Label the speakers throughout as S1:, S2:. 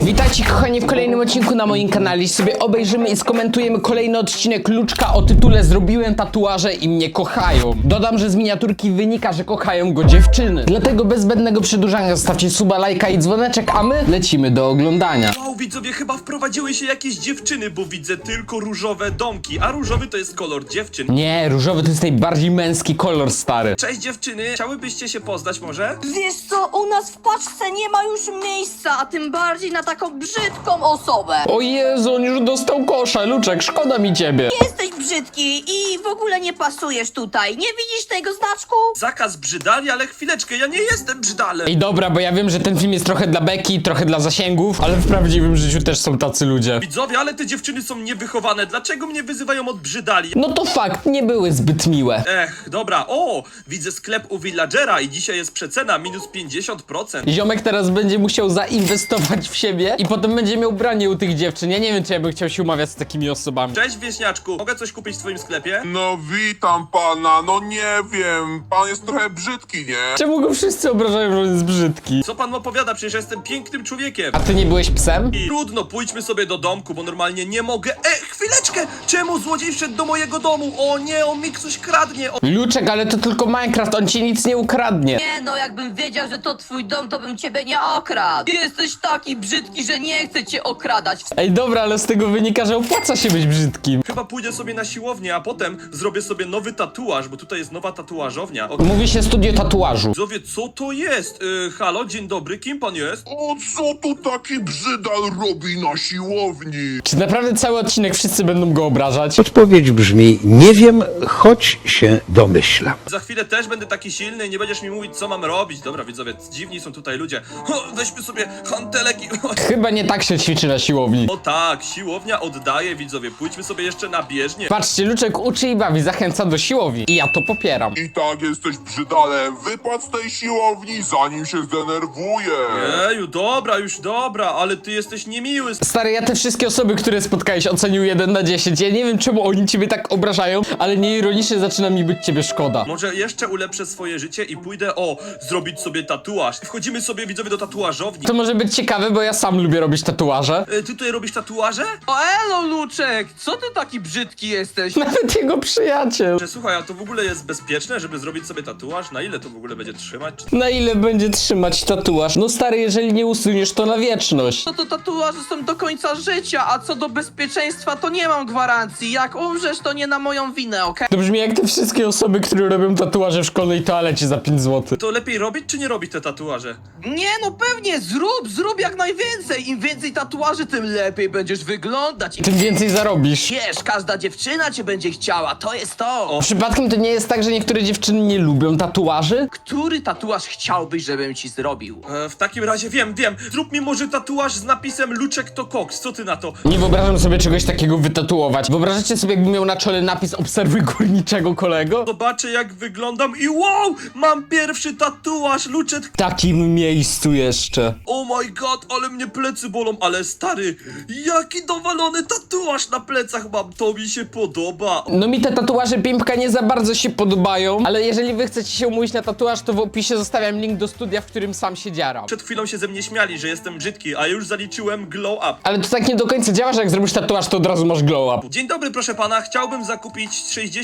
S1: Witajcie kochani w kolejnym odcinku na moim kanale. Sobie obejrzymy i skomentujemy kolejny odcinek Luczka o tytule Zrobiłem tatuaże i mnie kochają. Dodam, że z miniaturki wynika, że kochają go dziewczyny. Dlatego bez zbędnego przedłużania zostawcie suba, lajka i dzwoneczek, a my lecimy do oglądania.
S2: Wow, widzowie, chyba wprowadziły się jakieś dziewczyny, bo widzę tylko różowe domki, a różowy to jest kolor dziewczyn.
S1: Nie, różowy to jest najbardziej męski kolor, stary.
S2: Cześć dziewczyny, chciałybyście się poznać może?
S3: Wiesz co, u nas w paczce nie ma już miejsca, a tym bardziej na taką brzydką osobę.
S1: O Jezu, on już dostał kosza, Luczek, szkoda mi ciebie.
S3: Jesteś brzydki i w ogóle nie pasujesz tutaj. Nie widzisz tego znaczku?
S2: Zakaz brzydali, ale chwileczkę, ja nie jestem brzydalem.
S1: Ej, dobra, bo ja wiem, że ten film jest trochę dla beki, trochę dla zasięgów, ale w prawdziwym życiu też są tacy ludzie.
S2: Widzowie, ale te dziewczyny są niewychowane, dlaczego mnie wyzywają od brzydali?
S1: No to fakt, nie były zbyt miłe.
S2: Dobra, o, widzę sklep u Villagera i dzisiaj jest przecena, minus 50%.
S1: Ziomek teraz będzie musiał zainwestować w siebie i potem będzie miał branie u tych dziewczyn. Ja nie wiem, czy ja bym chciał się umawiać z takimi osobami.
S2: Cześć wieśniaczku, mogę coś kupić w twoim sklepie?
S4: No witam pana, no nie wiem, pan jest trochę brzydki, nie?
S1: Czemu go wszyscy obrażają, że on jest brzydki?
S2: Co pan opowiada? Przecież ja jestem pięknym człowiekiem.
S1: A ty nie byłeś psem?
S2: I trudno, pójdźmy sobie do domku, bo normalnie nie mogę. Chwileczkę! Czemu złodziej wszedł do mojego domu? O nie, on mi coś kradnie.
S1: Luczek, ale to tylko Minecraft, on ci nic nie ukradnie.
S3: Nie no, jakbym wiedział, że to twój dom, to bym ciebie nie okradł. Jesteś taki brzydki, że nie chcę cię okradać.
S1: Ej, dobra, ale z tego wynika, że opłaca się być brzydkim.
S2: Chyba pójdę sobie na siłownię, a potem zrobię sobie nowy tatuaż, bo tutaj jest nowa tatuażownia.
S1: Mówi się studio tatuażu.
S2: Widzowie, co to jest? Halo, dzień dobry, kim pan jest?
S4: O co tu taki brzydal robi na siłowni?
S1: Czy naprawdę cały odcinek wszyscy będą go obrażać?
S5: Odpowiedź brzmi: nie wiem, choć się domyślam.
S2: Za chwilę też będę taki silny i nie będziesz mi mówić, co mam robić. Dobra, widzowie, dziwni są tutaj ludzie. Weźmy sobie hantelek i...
S1: Chyba nie tak się ćwiczy na siłowni.
S2: O tak, siłownia oddaje, widzowie. Pójdźmy sobie jeszcze na bieżnię.
S1: Patrzcie, Luczek uczy i bawi, zachęca do siłowni. I ja to popieram.
S4: I tak jesteś brzydalem, wypadł z tej siłowni, zanim się zdenerwuje.
S2: Eju, dobra, już dobra, ale ty jesteś niemiły.
S1: Stary, ja te wszystkie osoby, które spotkałeś, ocenił 1 na 10. Ja nie wiem, czemu oni ciebie tak obrażają, ale nieironicznie zaczyna mi być ciebie szkoda.
S2: Może jeszcze ulepszę swoje życie i pójdę, zrobić sobie tatuaż. Wchodzimy sobie, widzowie, do tatuażowni.
S1: To może być ciekawe, bo ja sam lubię robić tatuaże.
S2: Ty tutaj robisz tatuaże?
S6: O elo, Luczek! Co ty taki brzydki jesteś?
S1: Nawet jego przyjaciel.
S2: Słuchaj, a to w ogóle jest bezpieczne, żeby zrobić sobie tatuaż? Na ile to w ogóle będzie trzymać?
S1: Na ile będzie trzymać tatuaż? No stary, jeżeli nie usuniesz, to na wieczność.
S6: No to tatuaże są do końca życia, a co do bezpieczeństwa to nie mam gwarancji. Jak umrzesz, to nie na moją winę, okej?
S1: To brzmi jak te wszystkie osoby, które robią tatuaże w szkolnej toalecie za 5 zł.
S2: To lepiej robić czy nie robić te tatuaże?
S6: Nie no pewnie, zrób jak najwięcej. Im więcej tatuaży, tym lepiej będziesz wyglądać. I
S1: Tym więcej zarobisz.
S6: wiesz, każda dziewczyna cię będzie chciała, to jest to.
S1: Przypadkiem to nie jest tak, że niektóre dziewczyny nie lubią tatuaży?
S6: Który tatuaż chciałbyś, żebym ci zrobił?
S2: W takim razie wiem. Zrób mi może tatuaż z napisem Luczek to koks. Co ty na to?
S1: Nie wyobrażam sobie czegoś takiego wytatuować. Wyobrażacie sobie, jakbym miał na czole napis obserwuj górniczego kolego?
S2: Zobaczę jak wyglądam i wow! Mam pierwszy tatuaż, Luczek.
S1: W takim miejscu jeszcze.
S2: Oh my god, ale mnie plecy bolą, ale stary, jaki dowalony tatuaż na plecach mam, to mi się podoba.
S1: No mi te tatuaże Pimpka nie za bardzo się podobają, ale jeżeli wy chcecie się umówić na tatuaż, to w opisie zostawiam link do studia, w którym sam się dzieram.
S2: Przed chwilą się ze mnie śmiali, że jestem brzydki, a już zaliczyłem glow up.
S1: Ale to tak nie do końca działa, że jak zrobisz tatuaż, to od razu masz glow up.
S2: Dzień dobry, proszę pana, chciałbym zakupić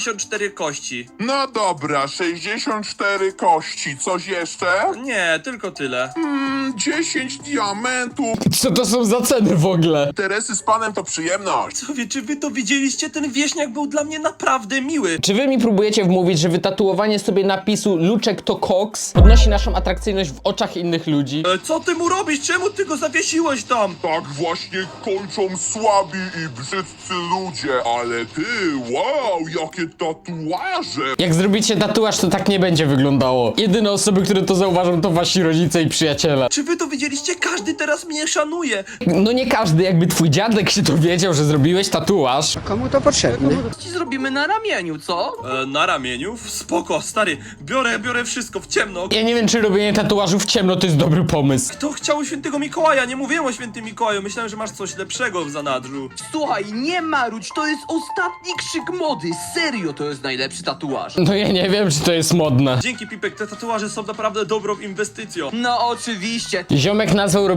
S2: 64 kości.
S4: No dobra, 64 kości, coś jeszcze?
S2: Nie, tylko tyle.
S4: 10 diamentów.
S1: Co to są za ceny w ogóle?
S4: Interesy z panem to przyjemność.
S2: Co wie, czy wy to widzieliście? Ten wieśniak był dla mnie naprawdę miły.
S1: Czy wy mi próbujecie wmówić, że wytatuowanie sobie napisu Luczek to koks podnosi naszą atrakcyjność w oczach innych ludzi?
S2: Co ty mu robisz? Czemu ty go zawiesiłeś tam?
S4: Tak właśnie kończą słabi i brzydcy ludzie, ale ty, wow, jakie tatuaże.
S1: Jak zrobicie tatuaż, to tak nie będzie wyglądało. Jedyne osoby, które to zauważą, to wasi rodzice i przyjaciele.
S2: Czy wy to widzieliście? Każdy teraz mnie szanuje.
S1: No nie każdy, jakby twój dziadek się dowiedział, że zrobiłeś tatuaż.
S6: Ci zrobimy na ramieniu, co?
S2: Na ramieniu? Spoko, stary, biorę wszystko w ciemno.
S1: Ja nie wiem, czy robienie tatuażu w ciemno to jest dobry pomysł.
S2: Kto chciał świętego Mikołaja? Nie mówiłem o świętym Mikołaju, myślałem, że masz coś lepszego w zanadrzu.
S6: Słuchaj, nie marudź, to jest ostatni krzyk mody. Serio, to jest najlepszy tatuaż.
S1: No ja nie wiem, czy to jest modne.
S2: Dzięki, Pipek, te tatuaże są naprawdę dobrą inwestycją.
S6: No oczywiście.
S1: Ziomek nazwał robienie tatuażu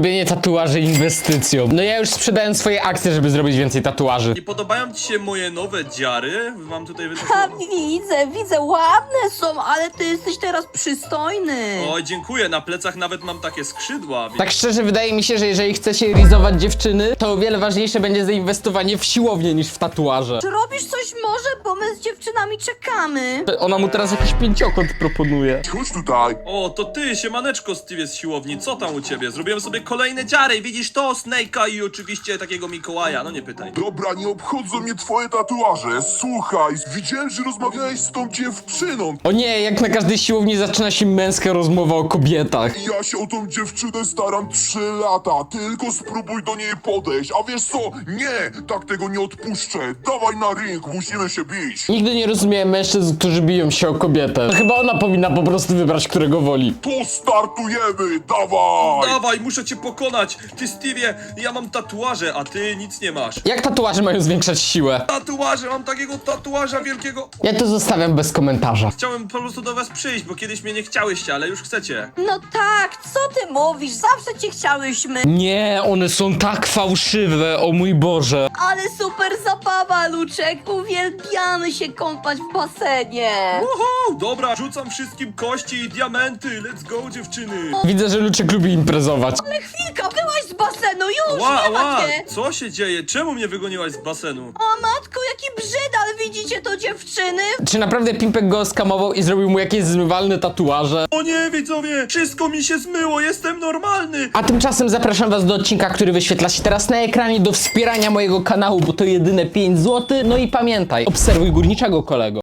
S1: tatuaże inwestycją. No ja już sprzedałem swoje akcje, żeby zrobić więcej tatuaży.
S2: Nie podobają ci się moje nowe dziary? Mam tutaj
S3: Ha,
S2: wytatuowane.
S3: widzę, ładne są, ale ty jesteś teraz przystojny.
S2: Oj, dziękuję, na plecach nawet mam takie skrzydła.
S1: Tak szczerze, wydaje mi się, że jeżeli chcecie rizować dziewczyny, to o wiele ważniejsze będzie zainwestowanie w siłownię niż w tatuaże.
S3: Czy robisz coś może, bo my z dziewczynami czekamy?
S1: Ona mu teraz jakiś pięciokąt proponuje.
S4: Chodź tutaj.
S2: O, to ty, siemaneczko Steve z siłowni, co tam u ciebie? Zrobiłem sobie kolejne dziary, widzisz to? Snake'a i oczywiście takiego Mikołaja, no nie pytaj.
S4: Dobra, nie obchodzą mnie twoje tatuaże. Słuchaj, widziałem, że rozmawiałeś z tą dziewczyną.
S1: O nie, jak na każdej siłowni zaczyna się męska rozmowa o kobietach.
S4: Ja się o tą dziewczynę staram 3 lata. Tylko spróbuj do niej podejść. A wiesz co? Nie, tak tego nie odpuszczę. Dawaj na ring, musimy się bić.
S1: Nigdy nie rozumiałem mężczyzn, którzy biją się o kobietę. To chyba ona powinna po prostu wybrać, którego woli.
S4: To startujemy, dawaj.
S2: Dawaj, muszę cię pokonać! Ty, Stevie, ja mam tatuaże, a ty nic nie masz.
S1: Jak tatuaże mają zwiększać siłę?
S2: Tatuaże, mam takiego tatuaża wielkiego.
S1: Ja to zostawiam bez komentarza.
S2: Chciałem po prostu do was przyjść, bo kiedyś mnie nie chciałyście, ale już chcecie.
S3: No tak, co ty mówisz? Zawsze cię chciałyśmy.
S1: Nie, one są tak fałszywe, o mój Boże.
S3: Ale super zabawa, Luczek. Uwielbiamy się kąpać w basenie.
S2: Uhu, dobra, rzucam wszystkim kości i diamenty, let's go dziewczyny.
S1: Widzę, że Luczek lubi imprezować.
S3: Ale chwilka, byłaś z basenu, już
S2: Ła,
S3: nie ma
S2: ła,
S3: cię.
S2: co się dzieje? Czemu mnie wygoniłaś z basenu?
S3: O matko, jaki brzydal, widzicie to dziewczyny?
S1: Czy naprawdę Pimpek go skamował i zrobił mu jakieś zmywalne tatuaże?
S2: O nie, widzowie, wszystko mi się zmyło, jestem normalny.
S1: A tymczasem zapraszam was do odcinka, który wyświetla się teraz na ekranie, do wspierania mojego kanału, bo to jedyne 5 zł. No i pamiętaj, obserwuj górniczego kolego.